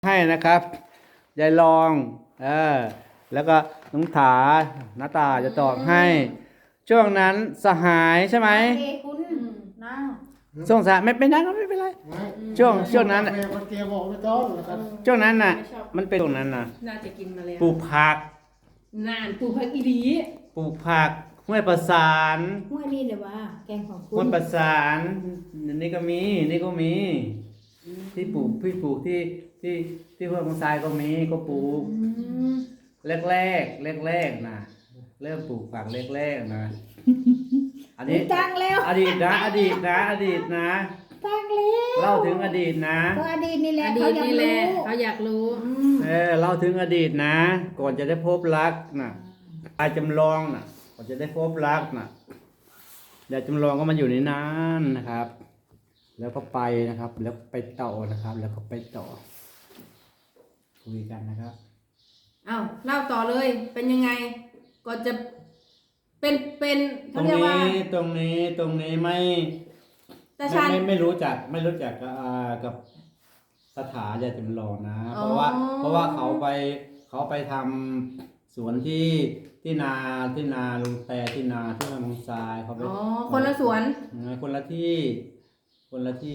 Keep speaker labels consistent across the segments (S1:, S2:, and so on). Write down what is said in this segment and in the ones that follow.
S1: ให้นะครับยายลองแล้วก็น้องถาหน้าตาจะตอบให้ ช่วงนั้นสหายใช่ไหม
S2: คุณนั่ง
S1: ช่วงสหายไม่นั่งก็ไม่เป็นไรช่วงนั้นช่วงนั้นน่ะมันเป็นช่วงนั้นน่ะ
S3: น่าจะกินมาแล้ว
S1: ปลูกผัก
S3: นานปลูกผักอีหลี
S1: ปลูกผักห้วยประสาน
S2: ห้วยนี่เลยว่าแกงของคุณ
S1: ห้วยประสานนี่ก็มีที่ปลูกที่ห้วยมังทรายก็มีก็ปลูกแรกนะเริ่มปลูกผักแรกนะอันนี้
S2: ตั้งแล้ว
S1: อดีตนะตั้งแล้วเล่าถึงอดีตนะ
S2: ก็อดีตนี่แหละ
S3: เขาอยากรู้
S1: เล่าถึงอดีตนะก่อนจะได้พบรักนะยายจำลองนะก่อนจะได้พบรักนะยายจำลองก็มาอยู่ในนั้นนะครับแล้วก็ไปนะครับ แล้วไปต่อนะครับ แล้วก็ไปต่อคุยกันนะครับ
S3: เล่าต่อเลยเป็นยังไงก่อนจะเป็นเขาเรียกว่า
S1: ตรงนี้ไม่รู้จักกับสถาญาติจำลองนะเพราะว่าเขาไปทำสวนที่นาลุงแต่ที่นาที่มังทรายเขาไป
S3: คนละสวน
S1: คนละที่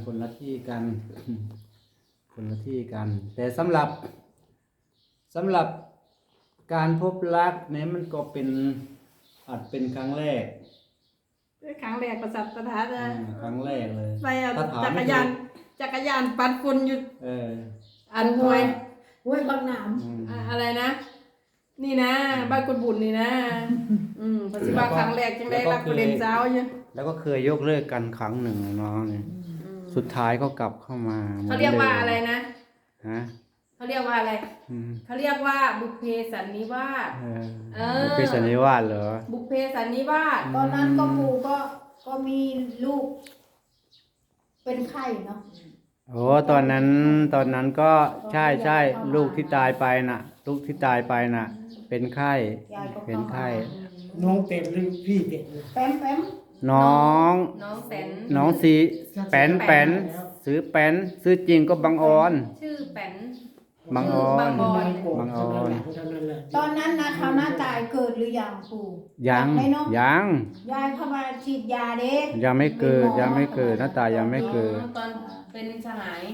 S1: กันแต่สำหรับการพบรักเนี่ยมันก็อาจเป็นครั้งแรก
S3: ประสัตตาจะ
S1: ครั้งแรกเลย
S3: ไปจักรยานปัดฝุ่นอยู่อันห้วยบางหนามอะไรนะนี่นะบ้านกุฎบุญนี่นะปฏิบัติครั้งแรกจังได้รับประเด็นเช้าอยู่
S1: แล้วก็เคยยกเลิกกันครั้งหนึ่งน้องเนี่ยสุดท้ายก็กลับเข้ามา
S3: เขาเรียกว่าอะไรนะ
S1: ฮะ
S3: เขาเรียกว่าอะไรเขาเรียกว่าบุพเพสันนิวาส
S1: บุพเพสันนิวาสเหรอ
S3: บุพเพสันนิวาส
S2: ตอนนั้นก็ปู่ก็มีลูกเป็นไข้เนาะ
S1: โอ้ตอนนั้นก็ใช่ลูกที่ตายไปน่ะเป็นไข้
S4: น้องเป็ดหรือพี่เป็ด
S2: แป๊ม
S1: น้องสีแป้นซื้อแป้นซื้อจริงก็บังออน
S3: ชื่อแป้น
S1: บังออน
S2: ตอนนั้นนะเขาหน้าตายเกิดหรือยังปู่
S1: ยัง
S2: ยายเข้ามาฉีดยาเด็ก
S1: ยังไม่เกิดหน้าตายังไม่เกิด
S3: ตอนเป็นสหาย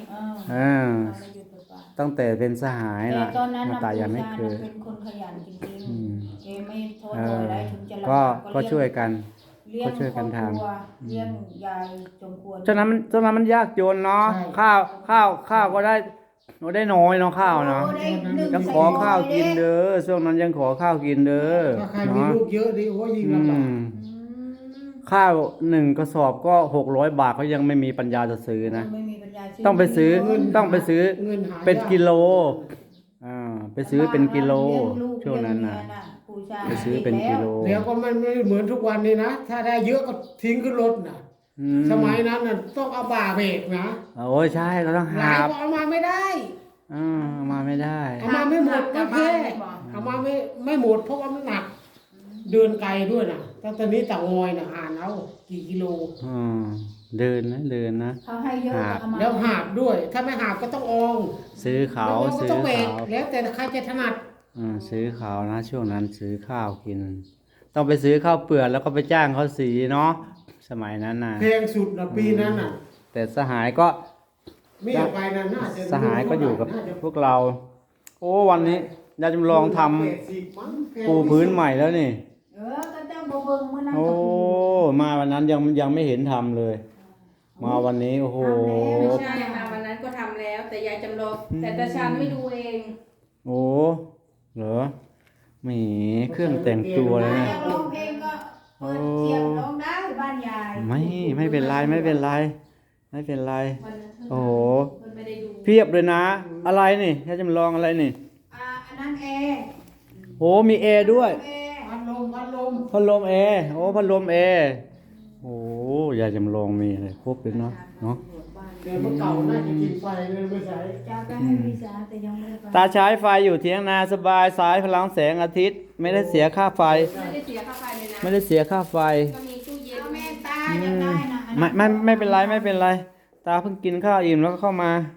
S1: ตั้งแต่เป็นสหายนะ
S2: หน้า
S1: ตายังไม่เกิด
S2: เป็นคนขยันจริงๆเอไม่ท้อถอยได้ถึงจะ
S1: ก็ช่วยกัน
S2: ทำเลี้ยงยายจงควร
S1: ฉะนั้นมันยากจนเนาะข้าวก็ได้น้อยเนาะข้าวเนาะยังขอข้าวกินเด้อช่วงนั้นยังขอข้าวกินเด้อ
S4: ถ้าใครมีลูกเยอะดิโอ้ยิ่งลำบาก
S1: ข้าว1 กระสอบก็600 บาทเขายังไม่มีปัญญาจะซื้อนะต้องไปซื้อเป็นกิโลไปซื้อเป็นกิโลช่วงนั้นนะไปซื้อเป็นกิโล
S4: แล้วก็มันไม่เหมือนทุกวันนี้นะถ้าได้เยอะก็ทิ้งขึ้นรถนะสมัยนั้นน่ะต้องเอาบ่าเบรกนะ
S1: โอ้ยใช่เราต้องหาบ
S4: เอามาไม่ได้
S1: เอามาไม่ได้
S4: เอามาไม่หมดไม่แพ้เอามาไม่หมดเพราะว่ามันหนักเดินไกลด้วยนะตั้งแต่นี้ต่างอยนะหาเอากี่กิโล
S1: เดินนะ
S2: เขาให้เยอะ
S4: แล้วหาบด้วยถ้าไม่หาบก็ต้องออง
S1: ซื้อเขา
S4: แล้วแต่ใครจะถนัด
S1: ซื้อข้าวนะช่วงนั้นซื้อข้าวกินต้องไปซื้อข้าวเปลือกแล้วก็ไปจ้างเขาสีเนาะสมัยนั้นน่ะ
S4: แพงสุดนะปีนั้นน่ะ
S1: แต่สหายก็
S4: ไม่ไปนะน่าจะ
S1: สหายก็อยู่กับพวกเราโอ้วันนี้ยายจำลองทำปูพื้นใหม่แล้วนี่
S2: ก็เจ้าบ่เบิ่งมื้อนั้น
S1: โอ้มาวันนั้นยังไม่เห็นทำเลยมาวันนี้โอ้โห
S3: ไม่ใช่มาวันนั้นก็ทำแล้วแต่ยายจำลองแต่ตาชานไม่ดูเอง
S1: โอ้เหรอมีเครื่องแต่งตัวเลยนะ
S2: ร้องเพลงก็เปิดเสียงร้องได้บ้านยาย
S1: ไม่เป็นไรโอ้โหเพียบเลยนะอะไรนี่ถ้าจำลองอะไรนี่
S2: อันนั้นแอร์
S1: โอ้มีแอร์ด้วย
S4: พัด
S1: ลมแอร์โอ้พัดลมแอร์โอ้ยายจำลองมีอะไรครบเลยเนาะ
S4: แต่เมื่อเก่าน่าจะกินไฟเลยไม่ใช่
S2: จะไปให้พี่สาแต่ยังไม่ได้
S1: ตาใช้ไฟอยู่เถียงนาสบายสายพลังแสงอาทิตย์ไม่ได้เสียค่าไฟ
S3: ไม่ได้เสียค่าไฟเลยนะ
S1: ไม่ได้เสียค่าไฟ
S3: ก็มีตู้เย็น
S2: แม่ตายังได้นะ
S1: ไม่เป็นไรตาเพิ่งกินข้าวอิ่มแล้วก็เข้ามา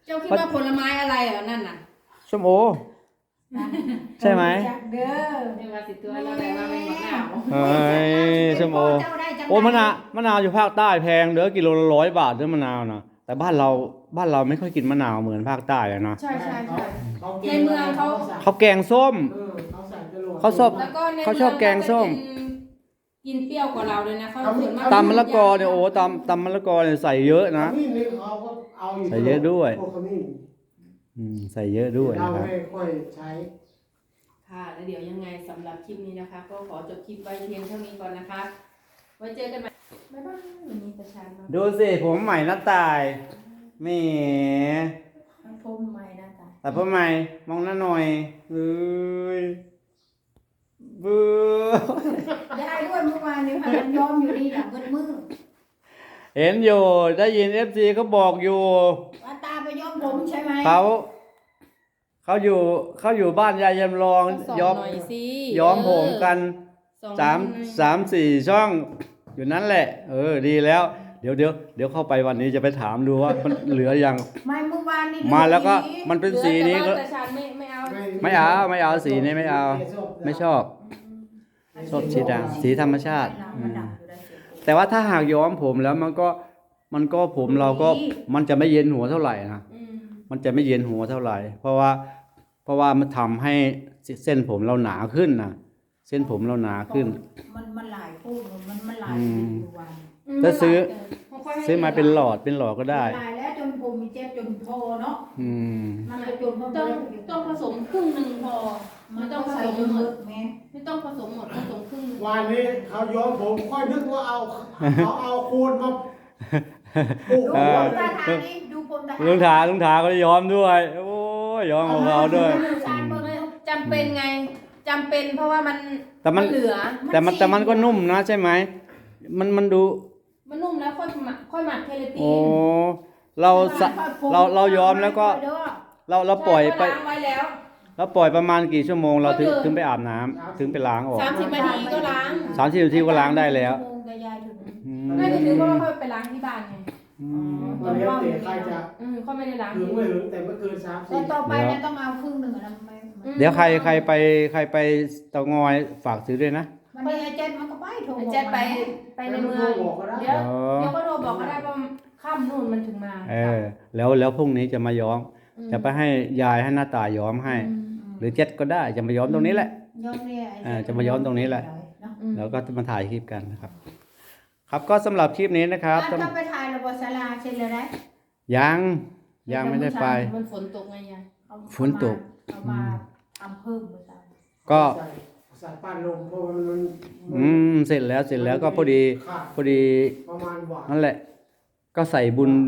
S3: เจ้าคิดว่าผลไม้อะไรเหรอนั่นน่ะ
S1: ส้มโอ ใช่ไหม
S2: จักเด้อ
S3: เรียกว่าสิตัวเราได้มาไม่หมดหนาว
S1: เฮ้ยส้มโอ
S2: เจ้าได้จัง
S1: โอ้มะนาวอยู่ภาคใต้แพงเด้อกิโลละ100 บาทเด้อมะนาวนะแต่บ้านเราไม่ค่อยกินมะนาวเหมือนภาคใต้อะเนาะ
S3: ใช่ใช่ใช่
S4: ใน
S3: ในเมืองเขา
S1: เขาแกงส้ม
S4: เขาใส่จรวด
S1: เขาชอบ
S3: แล้วก็ใน
S1: เขาชอบแกงส้ม
S3: กินเปรี้ยวกว่าเราเลยนะเขาส่วนมาก
S1: ตำมะละกอเนี่ยโอ้ตำมะละกอเนี่ยใส่เยอะนะ
S4: ขมิ้นนี่เขาก็เอาอยู่
S1: ใส่เยอะด้วย
S4: พวกขมิ้น
S1: ใส่เยอะด้วย
S4: เรา
S1: นะครับ
S4: ไม่ค่อยใช้
S3: ค่ะแล้วเดี๋ยวยังไงสำหรับคลิปนี้นะคะ ก็ขอจบคลิปไว้เพียงเท่านี้ก่อนนะคะ ไว้เจอกันใหม่บ๊ายบายวันนี้ประชาชน
S1: ดูสิผมใหม่หน้าตายแหม่
S2: พรมใหม่นะจ๊ะ
S1: แต่ผมใหม่มองหน้าหน่อยเอ้ยเบื่อ
S2: ได้ด้วยเมื่อวานนี้ค่ะมันย้อมอยู่นี่หลังมืด
S1: เห็นอยู่ได้ยิน FC เขาบอกอยู่
S2: ๆว่าตาไปย้อมผมใช่ไหม
S1: เขาอยู่บ้านยายยำลอง
S3: ก็สอน
S1: ย้อม
S3: หน่อยสิ
S1: ย้อมผมกัน
S3: สอน
S1: สาม
S3: หน่อย
S1: สามสี่ช่องอยู่นั่นแหละ ดีแล้ว เดี๋ยวเข้าไปวันนี้จะไปถามดูว่ามันเหลือยัง
S2: ไม่เมื่อวานนี้
S1: มาแล้วก็
S2: ดู
S1: มันเป็นสีนี้ก็
S3: เหลือแต่ว่าประชาชนไม่เอา
S1: ไม่เอาสีนี้ไม่เอา ไม่ชอบชอบสีดำสีธรรมชาติ
S2: มันดับอยู่ได้เสียง
S1: แต่ว่าถ้าหากย้อมผมแล้วมันก็ผมเราก็มันจะไม่เย็นหัวเท่าไหร่นะ
S3: อืม
S1: มันจะไม่เย็นหัวเท่าไหร่ เพราะว่ามันทำให้เส้นผมเราหนาขึ้นนะเส้นผมเราหนาขึ้น
S2: มันหลายพูดมันหลาย
S1: อืม
S2: อยู่วัน
S1: ถ้าซื้อ
S3: ค่อยๆให้
S1: ซื้อมาเป็นหลอดก็ได้
S2: หลายแล้วจนผมมีเจ็บจนโทเนาะ
S1: อืม
S2: มันจะจน
S3: ต้องผสมครึ่งหนึ่งพอ
S2: มั
S3: ไม่
S2: น
S3: ต้
S2: ต้
S3: อ
S2: อง ง
S3: ผ
S2: ใส่
S3: สมหม
S2: เย
S3: ด
S2: อะๆแม่
S3: ไม่ต้องผสมหมดผสมครึ่งหนึ่ง
S4: วันนี้เขาย้อมผมค่อยนึกว่าเอาโคนมาปลูก
S2: ดู
S1: เอ
S2: ผ
S1: อ
S2: มตาทางนี้ดูผมตา
S1: ลุงถาก็ย้อมด้วย โอ้ยย้อมของเขาด้วย
S3: จำเป็นไงจำเป็นเพราะว่ามัน
S1: แต่มัน
S3: เหลือ
S1: แต่มันก็นุ่มนะใช่ไหมมันดู
S3: มันนุ่มแล้วค่อยหมักเคลติ
S1: โอ้
S3: น
S1: เราย้อมแล้วก็เราปล่อยไป
S3: ใช่ก็ล้างไว้แล้ว
S1: เราปล่อยประมาณกี่ชั่วโมงเราถึง
S3: ก็เดิน
S1: ถึงไปอาบน้ำถึงไปล้างออก
S3: 30 นาทีก็ล้าง
S1: 30 นาทีก็ล้างได้แล้ว อืม
S3: ไม่ได้ถือเพราะว่าค่อยไปล้างที่บ้านไง
S1: อืม
S4: ตอนนี้เตะใครจะ
S3: ค่อยไม่ได้ล้าง
S4: ถึงไม่ถึงแต่ไม่เกิน
S2: แล้ว
S4: 30
S2: ต่อไปเนี่ยต้องเอาครึ่งหนึ่งนะไม่
S1: เดี๋ยวใครไปเตางอยฝากซื้อด้วยนะ
S2: มันนี่ไอ้เจ็ดมันก็ไปโทร
S3: เจ็ดไปในเมืองเดี๋ยว
S1: อ๋อ
S3: เดี๋ยวก็โทรบอกก็ได้ว่าค่ำนู่นมันถึงมา
S1: แล้วพรุ่งนี้จะมาย้อม จะไปให้ยายให้หน้าตาย้อมให้ หรือเจ็ดก็ได้จะมาย้อมตรงนี้แหละ
S2: ย้อมเนี่ย
S1: จะมาย้อมตรงนี้แหละ
S2: เนาะ
S1: แล้วก็มาถ่ายคลิปกันนะครับ ครับก็สำหรับคลิปนี้นะครับ
S2: ต้องไปถ่ายระบบศาลาเช่นเลยนะ
S1: ยังไม่ได้ไป
S3: มันฝนตกไงยาย
S1: ฝนตก
S2: เอามาทำเพิ่มภาษา
S1: ก็
S4: ใส่ปั้นลงเพราะว่ามัน
S1: เสร็จแล้วก็พอดี
S4: ขาด
S1: พอดี
S4: ประมาณหวาน
S1: นั่นแหละ ก็ใส่บุญ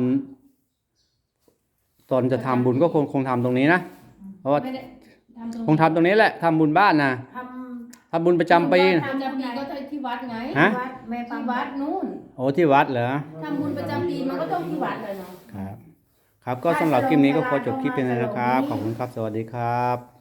S1: ตอนจะทำบุญก็คงทำตรงนี้นะเพราะว่า
S3: ไม่ได้ทำตรง
S1: คงทำตรงนี้แหละทำบุญบ้านนะ
S2: ท
S1: ทำบุญประจำปี
S3: ทำจำปีก็ที่วัดไง
S1: ฮะ
S2: ำวัดแม่ปั
S3: ที่
S2: ง
S3: วัดนู่น
S1: โอ้ที่วัดเหรอ
S3: ทำบุญประจำปีมันก็ต้องที่วัดเลยเนาะ
S1: ครับ ครับก็สำหรับคลิปนี้ก็ขอจบคลิปเป็นนะครับ ขอบคุณครับ สวัสดีครับ